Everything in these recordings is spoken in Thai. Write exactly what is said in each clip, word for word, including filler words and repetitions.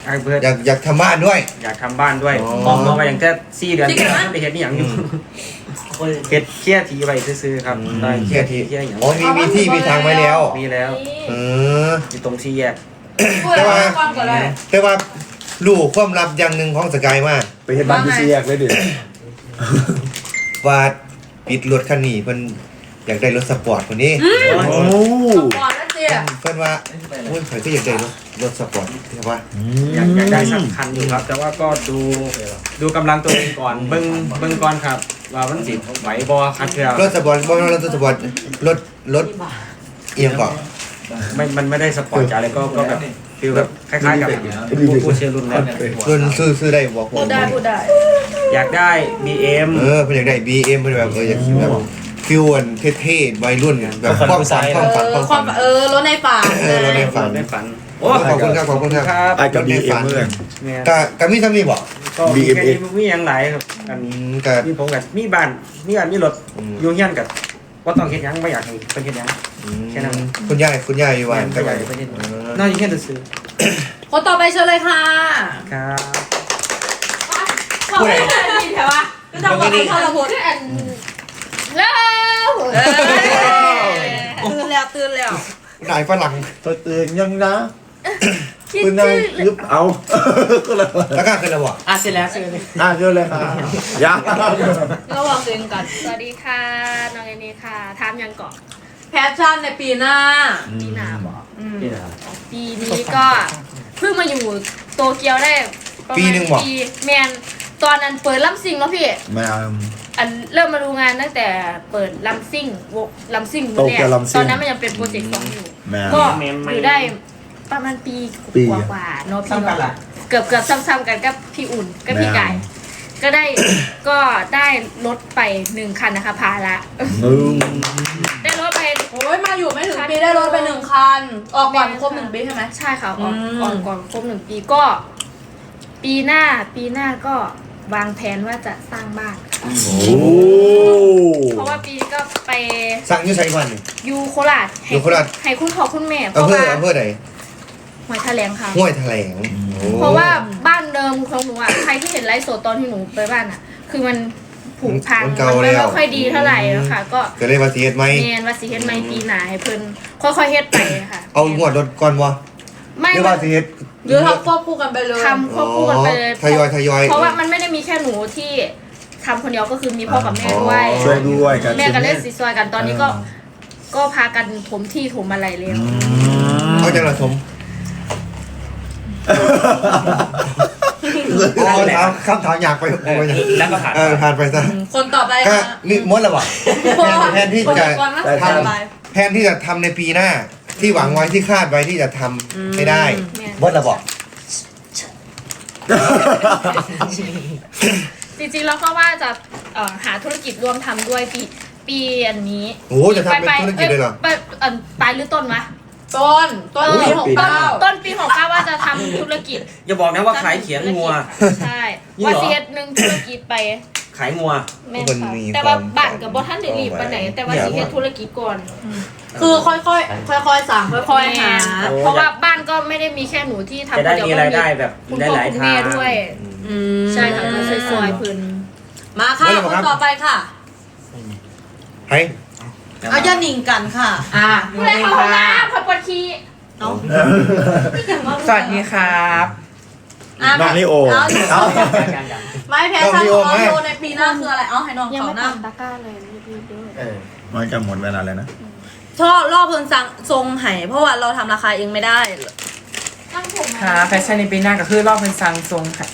อยากอยากทำบ้านด้วยอยากทำบ้านด้วยมองมองไปอย่างแค่สี่เดือนที่แล้วไม่ได้เห็นนี่อย่างอยู่เห็ดเคี่ยทีไปซื้อๆครับเคี่ยทีอ๋อมีมีที่มีทางไว้แล้วมีแล้วเอออยู่ตรงที่แยกแต่ว่าแต่ว่าลูกความลับอย่างหนึ่งของสกายมากไปเห็นบ้านที่สี่แยกเลยดิว่าปิดรถคันนี้เพิ่นอยากได้รถสปอร์ตคนนี้โอ้สปอร์ตนะเจ๊เพิ่นว่าโอ้ยข่อยก็อยากได้รถรถสปอร์ตใช่ป่ะอยากอยากได้สักคันอยู่ครับแต่ว่าก็ดูดูกำลังตัวเองก่อนเบิ่งเบิ่งก่อนครับว่ามันสิไหวบ่คันเทื่อรถสปอร์ตบ่รถสปอร์ตรถรถเอียงก่อนไม่มันไม่ได้สปอร์ตจ๋าเลยก็ก็แบบฟีลแบบคล้ายๆกับผู้เชียร์รุ่นแล้วรุ่นซื้อซื้อได้บอกพูดได้พูดได้อยากได้ บี เอ็มเออเพิ่นอยากได้ บี เอ็ม เพิ่นแบบเอออยากแบบฟิวอันเท่ๆวัยรุ่นแบบความฝันความฝันความเออรถในฝันเออรถในฝันในฝันโอ้ขอบคุณครับขอบคุณครับไอ้กับ บี เอ็ม เมื่อก็ก็มีซ้ำนี่บ่ก็บี เอ็ม เอ็กซ์มีอย่างไรครับอันนี้ก็มีผมกับมีบ้านมีบ้านมีรถอยู่เฮียนกับว่าต้องเฮ็ดหยังไม่อยากให้เพิ่นเฮ็ดหยังแค่นั้นคุณยายคุณยายอยู่ว่าก็อยากให้เพิ่นเฮ็ดน่าอยู่เฮียนซื้อคนต่อไปเชิญเลยค่ะครับพูดอะไรดีแถววะก็ทำคนที่ทรพจน์แล้วตื่นแล้วตื่นแล้วนายฝรั่งตัวตื่นยังนะคุณนายยุบเอาก็เลยแล้วก็คืออะไรวะอ่ะเสร็จแล้วเสร็จเลยอ่ะเจอเลยค่ะยาระวังตัวเองกันสวัสดีค่ะน้องเอนี่ค่ะทามยังเกาะแพชชั่นในปีหน้าปีหน้าบอกปีหน้าปีนี้ก็เพิ่งมาอยู่โตเกียวได้ปีหนึ่งบอกปีแมนตอนนั้นเปิดลัมซิงแล้วพี่ไม่เอาอันเริ่มมาดูงานตั้งแต่เปิดลัมซิงวงลัมซิงเนี่ยตอนนั้นมันยังเป็นโปรเจกต์สองอยู่ก็อยู่ได้ประมาณปีกว่าๆเนาะพี่เกือบเกือบซ้ำๆกันกับพี่อุ่นกับพี่ไก่ก็ได้ก็ได้รถไปหนึ่งคันนะคะพาละได้รถไปโอ้ยมาอยู่ไม่ถึงปีได้รถไปหนึ่งคันออกก่อนครบหนึ่งปีใช่ไหมใช่ค่ะออกก่อนก่อนครบหนึ่งปีก็ปีหน้าปีหน้าก็วางแผนว่าจะสร้างบ้านเพราะว่าปีก็ไปสร้างยูไซวันยูโคราชยูโคราชให้คุณพ่อคุณแม่เพราะว่าอำเภอไหนห้วยแถลงค่ะห้วยแถลงเพราะว่าบ้านเดิมของหนูอ่ะใครที่เห็นไลฟ์สดตอนที่หนูไปบ้านอ่ะคือมันผุพังมันไม่ค่อยดีเท่าไหร่นะคะก็จะเลยว่าสีเฮ็ดไหมเนียนว่าสีเฮ็ดไหมปีหน้าให้เพิ่นค่อยๆเฮ็ดไปค่ะเอางวดรถก่อนวะไม่ว่าสีเฮ็ดหรือทำควบคู่กันไปเลยทำควบคู่กันไปเลยทยอยทยอยเพราะว่ามันไม่ได้มีแค่หนูที่ทำคนเดียวก็คือมีพ่อกับแม่ด้วยช่วยด้วยกันแม่กันเล่นซีซอยกันตอนนี้ก็ก็พากันถมที่ถมอะไรเลยเอาจังละถมโอ้ถามคำถามอยากไปแล้วก็ผ่านเออผ่านไปซะคนต่อไปก็นี่มดแล้ววะแทนที่จะทำแทนที่จะทำในปีหน้าที่หวังไว้ที่คาดไว้ที่จะทำไม่ได้มดแล้วบอกจริงๆเราก็ว่าจะหาธุรกิจร่วมทำด้วยปีปีอันนี้โอ้จะทำเป็นธุรกิจเลยเหรอปลายหรือต้นวะต้นต้นปีหกเก้าต้นปีหกเก้าว่าจะทำธุรกิจอย่าบอกนะว่าขายเขียงงัวใช่ว่าเสียหนึ่งธุรกิจไปขายงัวแม่ค่ะแต่ว่าบ้านกับบอท่านเดลีไปไหนแต่ว่าสิเฮ็ดธุรกิจก่อนคือค่อยๆค่อยๆสั่งค่อยๆหาเพราะว่าบ้านก็ไม่ได้มีแค่หนูที่ทำคนเดียวก็มีรายได้แบบได้หลายทางด้วยใช่ค่ะสวยๆพื้นมาค่ะคนต่อไปค่ะให้เอาจะหนิงกันค่ะอ่าดูเลยค่ะน้ำพอปวดขี้สวัสดีครับน้องลิโอไม่แพ้ทางของเราในปีหน้าคืออะไรเอาให้น้องเขาหน้าตะก้าเลยมันจะหมดเวลาเลยนะชอบรอบเพิ่งสั่งทรงไห่เพราะว่าเราทำราคาเองไม่ได้ค่ะแฟชั่นในปีหน้าก็คือรอบเป็นซังทรงค่ะ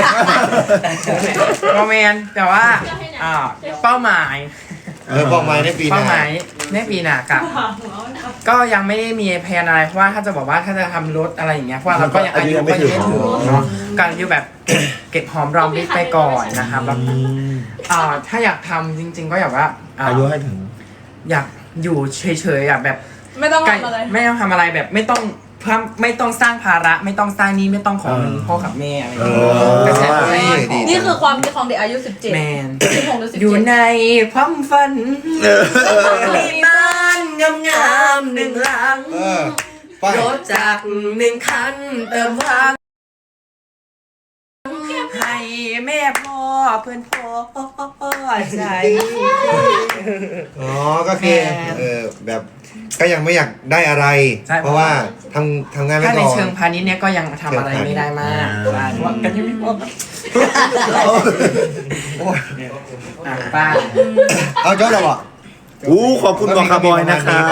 โรแมนแต่ว่าเป้าหมายเออเป้าหมายในปีหน้าเป้าหมายในปีหน้ากับก็ยังไม่ได้มีแผนอะไรเพราะว่าถ้าจะบอกว่าถ้าจะทำรถอะไรอย่างเงี้ยเพราะเราก็ยังอายุก็ยังไม่ถึงเนาะการอยู่แบบเก็บหอมรอมริบไปก่อนนะครับแล้วถ้าอยากทำจริงๆก็อยากว่าอายุให้ถึงอยากอยู่เฉยๆอ่ะแบบไม่ต้องทำอะไรไม่ต้องทำอะไรแบบไม่ต้องเพื่อไม่ต้องสร้างภาระไม่ต้องสร้างนี้ไม่ต้องขอเงินพ่อกับแม่อะไรอย่างเงี้ยนี่คือความคิดของเด็กอายุสิบเจ็ดแมนสิบหกหรือสิบเจ็ดอยู่ในความฝันมีบ้านงามๆหนึ่งหลังรถจากหนึ่งคันเติมพลังเพื่อนพ่อใช่อ๋อก็คือเออแบบก็ยังไม่อยากได้อะไร เพราะว่าทำทำงานไม่ถ้าพในอเชิงพาณิชย์เนี่ยก็ยังทำอะไรไม่ได้มากใช่เพราะว่ากันยังไม่พออ่ะป้าเอาจบแล้วเหรออู้ขอบคุณหมวกคาร์บอยนะครับ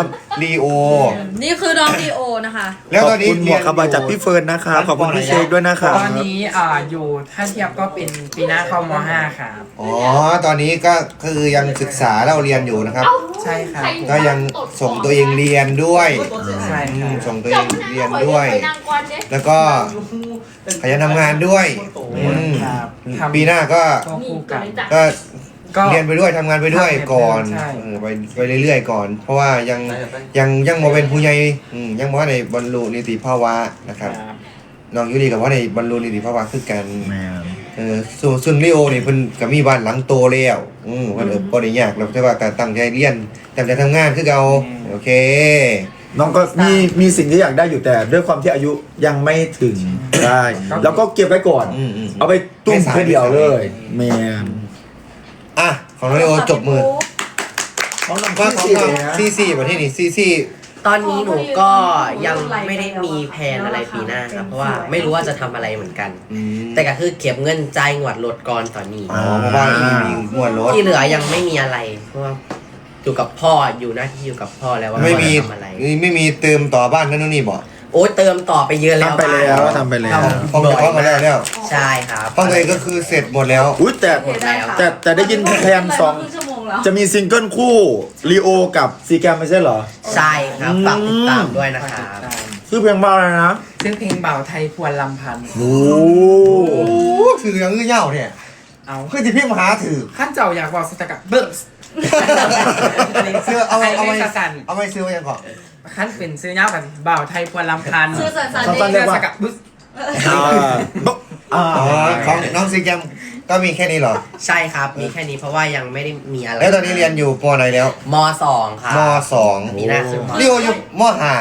ลีโอนี่คือน้องดีโอนะคะแล้วขตออบ นนี้คุณหมวกคาร์บอยจากพี่เฟิร์นนะครับขอบคุณพี่เชคด้วยนะครับตอนนี้อ่าอยู่ถ้าเทียบก็เป็นปีหน้าเข้ามห้าครับอ๋อตอนนี้ก็คือยังศึกษาเราเรียนอยู่นะครับใช่ครับก็ยังส่งตัวเองเรียนด้วยใช่อืครัมบส่งตัวเองเรียนด้วย แล้วก็ขยันทำงานด้วยอืมครับทำปีหน้าก็ก็คู่กันก็ก็เรียนไปด้วยทำงานไปด้วยก่อนใช่เออไปไปเรื่อยๆก่อน เพราะว่ายังยังยังโมเป็นผู้ใหญ่อืมยังว่าในบรรลุนิติภาวะนะครับครับน้องยูรีกับว่าในบรรลุนิติภาวะคือกันแม่เออส่วนส่วนลีโอนี่เพิ่นก็มีบ้านหลังโตแล้วอืมเพิ่นเออบ่ได้ยากหรอกแต่ว่าการตั้งใจเรียนตั้งใจทำงานคือเก่าโอเคน้องก็มีมีสิ่งที่อยากได้อยู่แต่ด้วยความที่อายุยังไม่ถึงได้ แล้วก็เก็บไว้ก่อนอืมอืมเอาไปตุ้มแค่เดียวเลยแม่อ่ะของน้องลีโอจบมือของน้องว่าของพี่น้องนะซีซีประเทศนี้ซีซีตอนนี้หนูก็ยังไม่ได้มีแผนอะไรปีหน้าครับเพราะว่าไม่รู้ว่าจะทำอะไรเหมือนกันอืมแต่ก็คือเก็บเงินจ่ายงวดรถก่อนตอนนี้อ๋อเพราะว่ามีมีมวลรถที่เหลือยังไม่มีอะไรเพราะว่าอยู่กับพ่ออยู่หน้าที่อยู่กับพ่อแล้วว่าไม่มีพ่อจะทำอะไรไม่มีเติมต่อบ้านนั่นนู่นนี่บ่โอ้ยเติมต่อไปเยอะแล้วทำไปแล้วบ้านทำไปแล้วห้องจะเข้ามาแล้วแล้วใช่ครับห้องตัวเองก็คือเสร็จหมดแล้วอุ้ยแต่หมดแล้วแต่แต่ได้ยินแพนสองครึ่ชั่วโมงแล้วจะมีซิงเกิลคู่ลีโอกับซีแกมไม่ใช่เหรอใช่ครับฝากติดตามด้วยนะครับชื่อเพลงบ้าอะไรนะซึ่งเพลงเบาไทยพวนลำพันธ์โอ้โอ้ถือยังเงี้ยเหย้าเนี่ยเอาคือจะพี่มหาถือขั้นเจ้าอยากบอกสตกัดเบิร์สเสื้อเอาเอาไปสันเอาไปซื้อไว้ยังก่อนขั้นเป็นซื้อเงาแบบเบาไทยพวนลำพันธ์ชื่อสันสันสั้นๆเรียกว่าสกัดบึ้สอ่าบ๊ะอ่าอ๋อของน้องซีแกมก็มีแค่นี้เหรอใช่ครับมีแค่นี้เพราะว่ายังไม่ได้มีอะไรแล้วตอนนี้เรียนอยู่ปไหนแล้วมสองครับมสองมีหน้าขึ้นมลีโออยู่มห้าม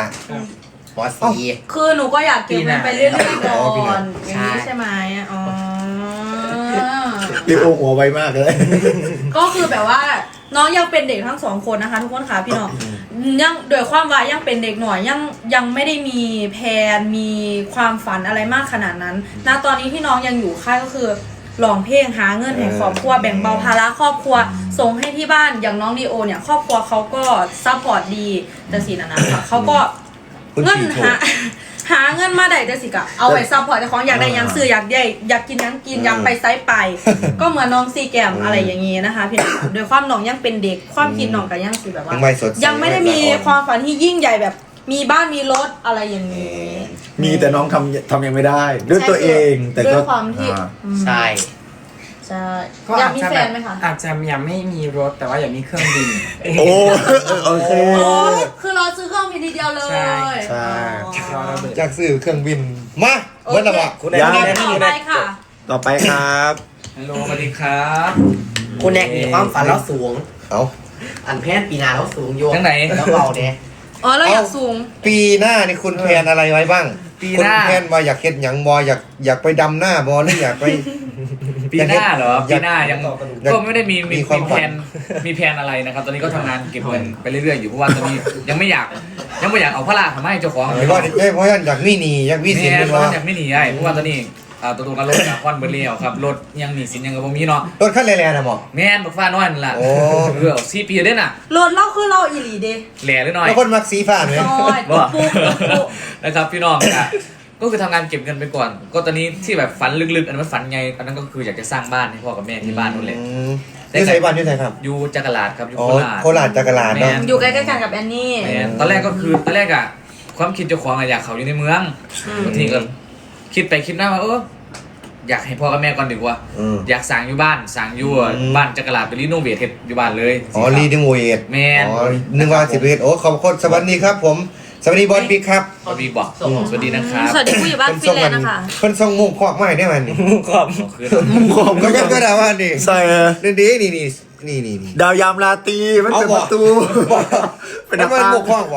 สี่คือหนูก็อยากเก็บเงินไปเรื่อยๆก่อนใช่อย่างนี้ใช่ไหมอ๋อลีโอหัวไวมากเลยก็คือแบบว่าน้องยังเป็นเด็กทั้งสองคนนะคะ ทุกคนค่ะพี่น้องยังโดยความว่ายังเป็นเด็กหน่อยยังยังไม่ได้มีแผนมีความฝันอะไรมากขนาดนั้นณตอนนี้ที่น้องยังอยู่ค่ายก็คือร้องเพลงหาเงินให้ครอบครัวแบ่งเบาภาระครอบครัวส่งให้ที่บ้านอย่างน้องดีโอเนี่ยครอบครัวเขาก็ซัพพอร์ตดีแต่สินะนะคะเขาก็คุณเงินสี่โถหาหาเงินมาได้แต่สิกะเอาไว้ซัพพอร์ตเจ้าของอยากได้หยังซื้ออยากได้อยากกินหยังกินอยากไปไซส์ไป ก็เหมือนน้องซีแกมอะไรอย่างงี้นะคะพี่น้องโดยความน้องยังเป็นเด็กความคิดน้องก็ยังสิแบบว่ายังไม่สดใสยังไม่ได้มีความฝันที่ยิ่งใหญ่แบบมีบ้านมีรถอะไรอย่างนี้มีแต่น้องทำทำยังไม่ได้ ด้วยตัวเองแต่ก็ด้วยความที่อ่าอืมใช่ใช่ก็อยาอาก จมีจะแฟแบบนไหมคะอาจจะยังไม่มีรถแต่ว่าอยากมีเครื่องบินโอ้โอเคโอ้คือเราซื้อเครื่องบินทีเดียวเลยใช่ใช่รอระเบิดจากซื้อเครื่องบินมาเบิ้ลละบ่โอเคต่อไปค่ะต่อไปครับฮัลโหลสวัสดีครับคุณแอกมีความฝันแล้วสูงเอาอันแพทย์ปีหนาแล้วสูงโยจังไหนแล้วเบาเด้อ๋อเราอยากสูงปีหน้านี่คุณแพลนอะไรไว้บ้างปีคุณหน้าแพลนว่าอยากเฮ็ดหยังบ่อยากอยากไปดำหน้าบ่หรืออยากไปปีหน้าเหรออยากปีหน้ายังอยากก็ไม่ได้มีมีมีความมีแผนมีแผนอะไรนะครับ ตอนนี้ก็ทำงานเก็บเงินไปเรื่อยๆอยู่เพราะว่าตอนนี้ยังไม่อยากยังไม่อยากเอาพระราทำให้เจ้าของหรือว่าเอ้ยเพราะฉะนั้นอยากมีหนีอยากมีสินเนี่เป็ยนเพราะว่าว่ายังไม่หนีไอ้เพราะว่าตอนนี้อ่าตัวตัวกันรถอะควันเบอร์เรียวครับรถยังหนีสินยังกับผมมีเนาะรถขั้นแรงๆนะหมอแม่นบักฟ้าน้อยนั่นแหละโอ้เออสี่ปีเด้น่ะรถเราคือเราอีหลีเด้แหล่หรือน้อยแล้วคนมักสีฟ้าไหมน้อยปุ๊บปุ๊บปุ๊บนะครับพี่น้องอ่ะก็คือทำงานเก็บเงินไปก่อน ก็ตอนนี้ที่แบบฝันลึกๆอันนั้นฝันไงอันนั้นก็คืออยากจะสร้างบ้านให้พ่อกับแม่ที่บ้านนู่นเลยอืมอยู่ไสบ้านอยู่ไสครับอยู่จักรลาดครับอยู่อ๋อโคราชโคราชจักรลาดเนอะแม่อยู่ใกล้ๆกันกับแอนนี่แม่นตอนแรกก็คือตอนแรกอะความคิดเจ้าของอะอยากเขาอยู่ในเมืองบางทีก็คิดไปคิดมาว่าเอออยากให้พ่อกับแม่ก่อนดีกว่าอืมอยากสั่งอยู่บ้านสั่งอยู่อืมบ้านจักรลาดไปรีโนเวทเฮ็ดอยู่บ้านเลยอ๋อรีดิโมเอทแม่นอ๋อนึกว่าสิบเอ็ดโอ้ขอบคุณสวัสดีครับ ผมสวัสดีบอลบิ๊กครับสวัสดีบอกสวัสดีนะครับสวัสดีผู้อยู่บ้านฟินแลนด์นะคะเพิ่นส่งมุกคอกมาให้ได้มันนี่ขอบคือผมก็ยังก็ได้ว่านี่ใส่นี่ดีนี่นี่นี่นี่นี่ดาวยามราตรีมันเป็นเอาปบ่ระตูเป็นมันมุกคอกว่ะ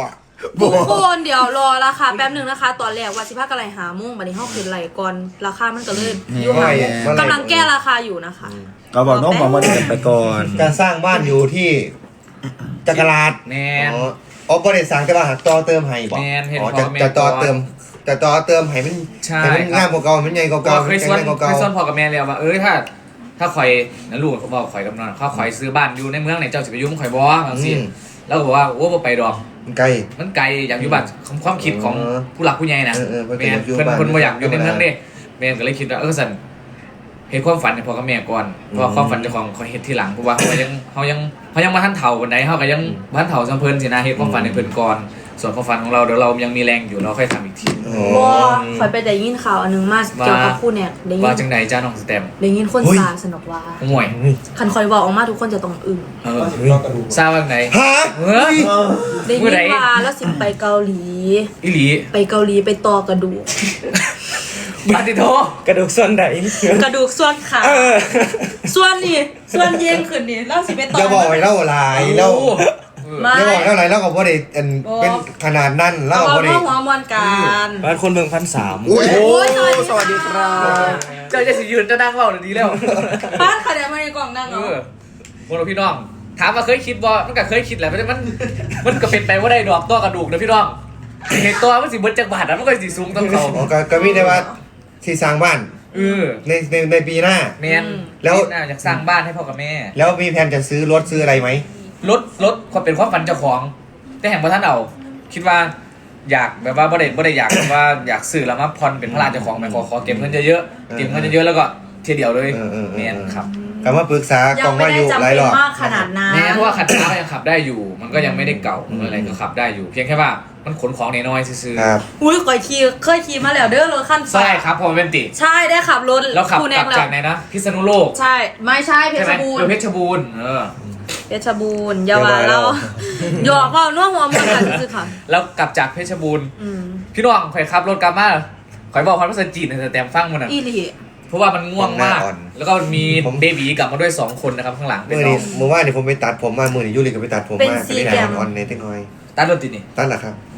ทุกคนเดี๋ยวรอราคาแป๊บหนึ่งนะคะ ตอนแรกว่าสิบห้ากะไรหามุ่งบัดนี้ห้าขึ้นไหลก่อนราคามันก็เลยอยู่หามุ่งกำลังแก้ราคาอยู่นะคะเราบอกน้องบอกมาเดินไปก่อนการสร้างบ้านอยู่ที่จักรราชแมนอ๋ออ๋อบริษัทแต่ว่าหักต่อเติมให้บอกแม่นเห็นอ๋อพ่จะอแม่จะต่อก่อนเติมจะต่อเติมให้มันใช่ให้มันครับงามกว่าเก่ามันใหญ่กว่าก็เก่าเคยแข็ส่งวนแรงกว่าเคเก่ายส่วนพ่อกับแม่แล้วว่าเอ้ยถ้า ถ้าข่อยนั่นลูกก็บอกข่อยกับนอนข้าข่อยซื้อบ้านอยู่ในเมืองไหนเจ้าสิไปยุ่งข่อยบ่บางสิแล้วก็บอกว่าโอ้บ่ไปดอกมันไกลมันไกลอยากอยู่บ้านความความคิดของเออผู้หลักผู้ใหญ่นะเออเออเพิ่นแม่นอยากอยู่เพิ่นบ้านเพิ่นบ่อยากอยู่ในเมืองธรรมดาเด้แม่นก็เลยคิดว่าเออสั่นเฮ็ดความฝันให้พ่อกับแม่ก่อนเพราะว่าความฝันเจ้าของเขาเฮ็ดทีหลังเพราะว่าเขายังเขายังเขายังบ่ทันเฒ่าปานใดเฮาก็ยังบ่ทันเฒ่าซำเพิ่นสินะเฮ็ดความฝันให้เพิ่นก่อนส่วนความฝันของเราเดี๋ยวเรายังมีแรงอยู่เราค่อยทำอีกทีอ๋อบ่คอยไปได้ยินข่าวอันนึงมาเกี่ยวกับผู้เนี่ยได้ยิว่าน จังไดจ้าน้องสแตมป์ได้ยินคนเฮ้ยซาสนอกว่าห่วยคันคอยบอกออกมาทุกคนจะต้องอึ้งเออทราบว่าไงฮะเฮ้ยได้ผู้ยินใดว่าแล้วสิไปเกาหลีอีหลีไปเกาหลีไปต่อกระดูกปาติโทกระดูกส่วนไหนกระดูกส่วนขาส่วนนี่ส่วนเย็นขึ้นนี่แล้วสิไปต่ออย่าบอกให้เล่าหลายเล่าไม่อย่าบอกเล่าหลายเล่ากับว่าได้อันเป็นขนาดนั้นเล่าเอากับเอาว่าได้เรื่องหัวมวลกันบ้านคนเมืองพันสามอุ้ยโอ้ยสวัสดีครับเจ้าจะสิยืนเจะนั่งเล่าหรือดีแล้วป้านคะแนนมาในกล่องนั่งเอเนาะอพวกเราพี่น้อง ถามว่าเคยคิดบ่มันก็เคยคิดแหละแต่มัน มันก็เป็นไปว่าได้ดอกตัวกระดูกนะพี่น้องเห็นตัวมันสิเบิดจักบาทนะมันก็สิสูงต้องเขาอ๋อก็ก็มีได้ว่าที่สร้างบ้านเออในในในปีหน้าแมนแล้วน่าอยากสร้างบ้านให้พ่อกับแม่แล้วมีแผนจะซื้อรถซื้ออะไรไหมรถรถความเป็นความฝันเจ้าของ แต่แห่งพระท่านเอาคิดว่า อยากแบบว่าบ่ได้บ่ได้อยากแบบว่าอยากซื้อแล้วมาผ่อนเป็นพระราชเจ้าของไปขอขอเก็บเงินเยอะๆเก็บเงินเยอะๆแล้วก็เทียเดียวเลยเออเออเออแมนครับก็มาปรึกษากยัอง งไม่ว่าอได้ยู่จำหลายเป็รนอบมากขนาดนั้นแม้เพราะว่าขัดช้าก็ยังขับได้อยู่ มันก็ยังไม่ได้เก่ามันอะไรก็ขับได้อยู่ เพียงแค่ว่ามันขนของน้อยๆซื่อครับอุ้ยเคยขี่เคยขี่มาแล้วเด้อรถขั้นๆใช่ครับพอมันเป็นติใช่ได้ขับรถแล้วขับคูกแนลังบแล้วจากไหนนะพิษณุโลกใช่ไม่ใช่เพใช่ไหชมรบูรเออณ์เพชรบูรณ์เออเพชรบูรณ์อยาวาเราหยอกว่าน่วหัวมันกันคือค่ะแล้วกลับจากเพชรบูรณ์อืมพี่น้องข่อยขับรถกลับมาข่อยบอกความภาษาจีนในแต่ฟังมันอ่ะอีหลีเพราะว่ามันง่วงมากผมหน้าอ่อนแล้วก็มีเบบีกลับมาด้วยสองคนนะครับข้างหลังเป็นเมื่อน้อนี้งเมื่อวานนี่ผมไปตัดผมมาเมื่อนี้ยูริก็ไปตัดผมมาก็ได้หน้าอ่อนๆในเล็กน้อยตัดรถติดนี่ตัดเหรอครับ